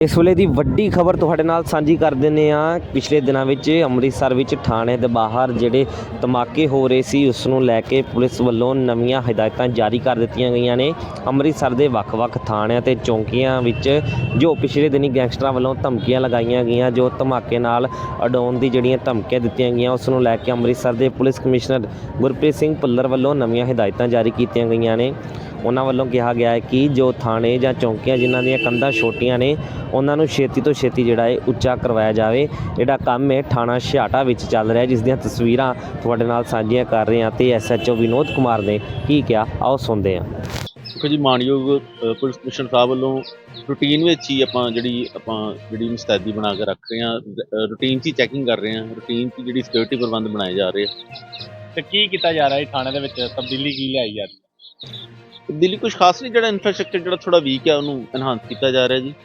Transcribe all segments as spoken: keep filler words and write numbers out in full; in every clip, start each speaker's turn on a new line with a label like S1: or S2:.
S1: ਇਸ ਵੇਲੇ ਦੀ ਵੱਡੀ ਖਬਰ ਤੁਹਾਡੇ ਨਾਲ ਸਾਂਝੀ ਕਰ ਦਿੰਦੇ ਹਾਂ। ਪਿਛਲੇ ਦਿਨਾਂ ਵਿੱਚ ਅੰਮ੍ਰਿਤਸਰ ਵਿੱਚ ਥਾਣੇ ਦੇ ਬਾਹਰ ਜਿਹੜੇ ਧਮਾਕੇ ਹੋ ਰਹੇ ਸੀ ਉਸ ਨੂੰ ਲੈ ਕੇ ਪੁਲਿਸ ਵੱਲੋਂ ਨਵੀਆਂ ਹਦਾਇਤਾਂ ਜਾਰੀ ਕਰ ਦਿੱਤੀਆਂ ਗਈਆਂ ਨੇ। ਅੰਮ੍ਰਿਤਸਰ ਦੇ ਵੱਖ-ਵੱਖ ਥਾਣਿਆਂ ਤੇ ਚੌਂਕੀਆਂ ਵਿੱਚ ਜੋ ਪਿਛਲੇ ਦਿਨੀ ਗੈਂਗਸਟਰਾਂ ਵੱਲੋਂ ਧਮਕੀਆਂ ਲਗਾਈਆਂ ਗਈਆਂ, ਜੋ ਧਮਾਕੇ ਨਾਲ ਉਡਾਉਣ ਦੀ ਜਿਹੜੀਆਂ ਧਮਕੀਆਂ ਦਿੱਤੀਆਂ ਗਈਆਂ, ਉਸ ਨੂੰ ਲੈ ਕੇ ਅੰਮ੍ਰਿਤਸਰ ਦੇ ਪੁਲਿਸ ਕਮਿਸ਼ਨਰ ਗੁਰਪ੍ਰੀਤ ਸਿੰਘ ਭੁੱਲਰ ਵੱਲੋਂ ਨਵੀਆਂ ਹਦਾਇਤਾਂ ਜਾਰੀ ਕੀਤੀਆਂ ਗਈਆਂ ਨੇ। ਉਹਨਾਂ ਵੱਲੋਂ ਕਿਹਾ ਗਿਆ ਹੈ ਕਿ ਜੋ ਥਾਣੇ ਜਾਂ ਚੌਂਕੀਆਂ ਜਿਨ੍ਹਾਂ ਦੀਆਂ ਕੰਧਾਂ ਛੋਟੀਆਂ ਨੇ ਉਹਨਾਂ ਨੂੰ ਛੇਤੀ ਤੋਂ ਛੇਤੀ ਜਿਹੜਾ ਹੈ ਉੱਚਾ ਕਰਵਾਇਆ ਜਾਵੇ। ਜਿਹੜਾ ਕੰਮ ਹੈ ਥਾਣਾ ਛਿਆਟਾ ਵਿੱਚ ਚੱਲ ਰਿਹਾ, ਜਿਸ ਦੀਆਂ ਤਸਵੀਰਾਂ ਤੁਹਾਡੇ ਨਾਲ ਸਾਂਝੀਆਂ ਕਰ ਰਹੇ ਹਾਂ। ਤੇ S H O Vinod Kumar ਨੇ ਕੀ ਕਿਹਾ, ਆਓ ਸੁਣਦੇ ਹਾਂ।
S2: ਦੇਖੋ ਜੀ, ਮਾਣਯੋਗ ਪੁਲਿਸ ਕਮਿਸ਼ਨਰ ਸਾਹਿਬ ਵੱਲੋਂ ਰੂਟੀਨ ਵਿੱਚ ਹੀ ਆਪਾਂ ਜਿਹੜੀ ਆਪਾਂ ਜਿਹੜੀ ਮੁਸਤੈਦੀ ਬਣਾ ਕੇ ਰੱਖ ਰਹੇ ਹਾਂ, ਰੂਟੀਨ 'ਚ ਹੀ ਚੈਕਿੰਗ ਕਰ ਰਹੇ ਹਾਂ, ਰੂਟੀਨ 'ਚ ਜਿਹੜੀ ਸਿਕਿਉਰਿਟੀ ਪ੍ਰਬੰਧ ਬਣਾਏ ਜਾ ਰਹੇ ਆ।
S3: ਤੇ ਕੀ ਕੀਤਾ ਜਾ ਰਿਹਾ ਹੈ ਥਾਣੇ ਦੇ ਵਿੱਚ, ਤਬਦੀਲੀ ਕੀ ਲਿਆਈ ਜਾ ਰਹੀ ਹੈ?
S2: ਦਿੱਲੀ ਕੁਝ ਖਾਸ ਨਹੀਂ, ਜਿਹੜਾ ਇਨਫਰਾਸਟ੍ਰਕਚਰ ਜਿਹੜਾ ਥੋੜਾ ਵੀਕ ਹੈ ਉਹਨੂੰ ਐਨਹਾਂਸ ਕੀਤਾ ਜਾ ਰਿਹਾ ਜੀ।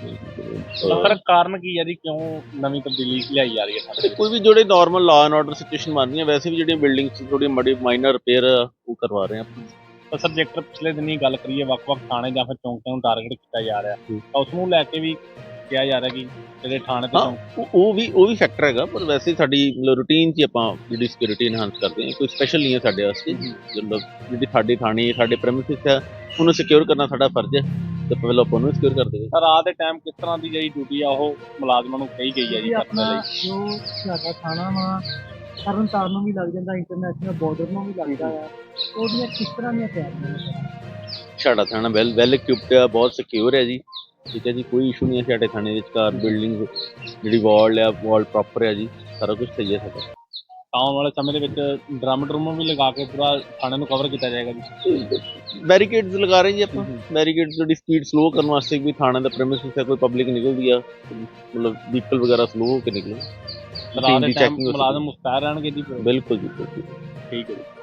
S3: ਪਰ ਕਾਰਨ ਕੀ ਹੈ ਜੀ, ਕਿਉਂ ਨਵੀਂ ਤਬਦੀਲੀ ਲਿਆਈ ਜਾ ਰਹੀ ਹੈ?
S2: ਕੋਈ ਵੀ ਜਿਹੜੇ normal law and order situation ਬਣ ਰਹੀਆਂ, ਵੈਸੇ ਵੀ ਜਿਹੜੀਆਂ ਬਿਲਡਿੰਗਸ ਥੋੜੀ ਮੜੀ ਮਾਈਨਰ ਰਿਪੇਅਰ ਉਹ ਕਰਵਾ ਰਹੇ ਆਪਾਂ।
S3: ਤਾਂ ਸਬਜੈਕਟ ਪਿਛਲੇ ਦਿਨੀ ਗੱਲ ਕਰੀਏ, ਵੱਖ-ਵੱਖ ਥਾਣੇ ਜਾਂ ਫਿਰ ਚੌਂਕਿਆਂ ਨੂੰ ਟਾਰਗੇਟ ਕੀਤਾ ਜਾ ਰਿਹਾ, ਤਾਂ ਉਸ ਨੂੰ ਲੈ ਕੇ ਵੀ ਕਿਹਾ ਜਾ ਰਿਹਾ ਕਿ ਜਿਹੜੇ ਥਾਣੇ ਤੇ ਚੌਂਕ
S2: ਉਹ ਵੀ ਉਹ ਵੀ ਫੈਕਟਰ ਹੈਗਾ, ਪਰ ਵੈਸੇ ਸਾਡੀ ਮਤਲਬ ਰੂਟੀਨ 'ਚ ਆਪਾਂ ਜਿਹੜੀ ਸਿਕਿਉਰਿਟੀ ਇਨਹਾਂਸ ਕਰਦੇ ਹਾਂ। ਕੋਈ ਸਪੈਸ਼ਲ ਨਹੀਂ ਹੈ ਸਾਡੇ ਵਾਸਤੇ। ਮਤਲਬ ਜਿਹੜੀ ਸਾਡੀ ਥਾਣੀ ਸਾਡੇ ਪ੍ਰੈਮਿਸਿਸ ਹੈ ਉਹਨੂੰ ਸਿਕਿਉਰ ਕਰਨਾ ਸਾਡਾ ਫਰਜ਼ ਹੈ, ਤੇ ਪਹਿਲਾਂ ਆਪਾਂ ਉਹਨੂੰ ਸਿਕਿਉਰ ਕਰਦੇ ਹਾਂ।
S3: ਰਾਤ ਦੇ ਟਾਈਮ ਕਿਸ ਤਰ੍ਹਾਂ ਦੀ ਜਿਹੜੀ ਡਿਊਟੀ ਆ ਉਹ ਮੁਲਾਜ਼ਮਾਂ ਨੂੰ ਕਹੀ ਗਈ ਹੈ ਜੀ ਕਰਨ ਦੇ ਲਈ?
S4: ਜੋ ਸਾਡਾ ਥਾਣਾ ਵਾ ਤਰਨ ਤਾਰਨ ਨੂੰ ਵੀ ਲੱਗ ਜਾਂਦਾ, ਇੰਟਰਨੈਸ਼ਨਲ ਬਾਰਡਰ ਨੂੰ ਵੀ ਲੱਗਦਾ ਆ, ਉਹਦੀਆਂ ਕਿਸ ਤਰ੍ਹਾਂ ਦੀਆਂ ਤਿਆਰੀਆਂ?
S2: ਸਾਡਾ ਥਾਣਾ ਵੈਲ ਵੈਲ ਇਕਵਿਪਡ ਹੈ, ਬਹੁਤ ਸਿਕਿਉਰ ਹੈ ਜੀ। ਠੀਕ ਹੈ ਜੀ, ਕੋਈ ਇਸ਼ੂ ਨਹੀਂ ਹੈ ਸਾਡੇ ਥਾਣੇ ਵਿੱਚ। ਕਾਰ ਬਿਲਡਿੰਗ ਜਿਹੜੀ ਵਾਲ ਆ ਵਾਲ ਪ੍ਰੋਪਰ ਹੈ ਜੀ, ਸਾਰਾ ਕੁਝ ਸਹੀ ਹੈ ਸਾਡਾ।
S3: ਆਉਣ ਵਾਲੇ ਸਮੇਂ ਦੇ ਵਿੱਚ ਡਰਮ ਡਰਮ ਵੀ ਲਗਾ ਕੇ ਪੂਰਾ ਥਾਣੇ ਨੂੰ ਕਵਰ ਕੀਤਾ ਜਾਏਗਾ ਜੀ।
S2: ਬੈਰੀਕੇਡਸ ਲਗਾ ਰਹੇ ਜੀ ਆਪਾਂ। ਬੈਰੀਕੇਡਸ ਜਿਹੜੀ ਸਪੀਡ ਸਲੋ ਕਰਨ ਵਾਸਤੇ ਵੀ ਥਾਣੇ ਦਾ ਪ੍ਰੈਮਿਸਿਸ ਹੈ, ਕੋਈ ਪਬਲਿਕ ਨਿਕਲਦੀ ਆ ਮਤਲਬ ਵਹੀਕਲ ਵਗੈਰਾ ਸਲੋ ਹੋ ਕੇ ਨਿਕਲੇ।
S3: ਰਾਤ ਦੇ ਟਾਈਮ ਮੁਲਾਜ਼ਮ ਮੁਸਤੈਦ ਰਹਿਣਗੇ ਜੀ?
S2: ਬਿਲਕੁਲ ਜੀ, ਬਿਲਕੁਲ
S3: ਠੀਕ ਹੈ ਜੀ।